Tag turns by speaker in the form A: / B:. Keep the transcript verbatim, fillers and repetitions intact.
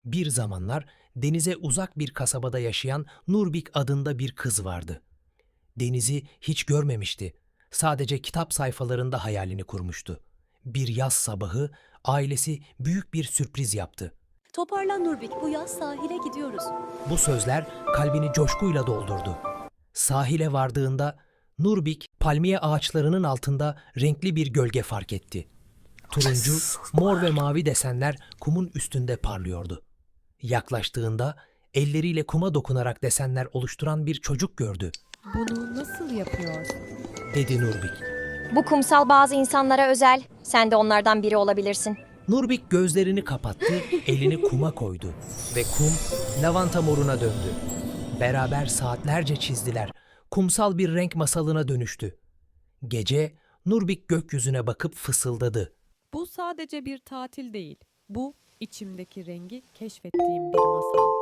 A: Bir zamanlar denize uzak bir kasabada yaşayan Nurbik adında bir kız vardı. Denizi hiç görmemişti. Sadece kitap sayfalarında hayalini kurmuştu. Bir yaz sabahı ailesi büyük bir sürpriz yaptı.
B: Toparlan Nurbik, bu yaz sahile gidiyoruz.
A: Bu sözler kalbini coşkuyla doldurdu. Sahile vardığında Nurbik palmiye ağaçlarının altında renkli bir gölge fark etti. Turuncu, mor ve mavi desenler kumun üstünde parlıyordu. Yaklaştığında elleriyle kuma dokunarak desenler oluşturan bir çocuk gördü,
C: Bunu nasıl yapıyorsun?
A: dedi Nurbik.
D: Bu kumsal bazı insanlara özel. Sen de onlardan biri olabilirsin.
A: Nurbik gözlerini kapattı, elini kuma koydu ve kum lavanta moruna döndü. Beraber saatlerce çizdiler. Kumsal bir renk masalına dönüştü. Gece Nurbik gökyüzüne bakıp fısıldadı.
C: Bu sadece bir tatil değil. Bu içimdeki rengi keşfettiğim bir masal.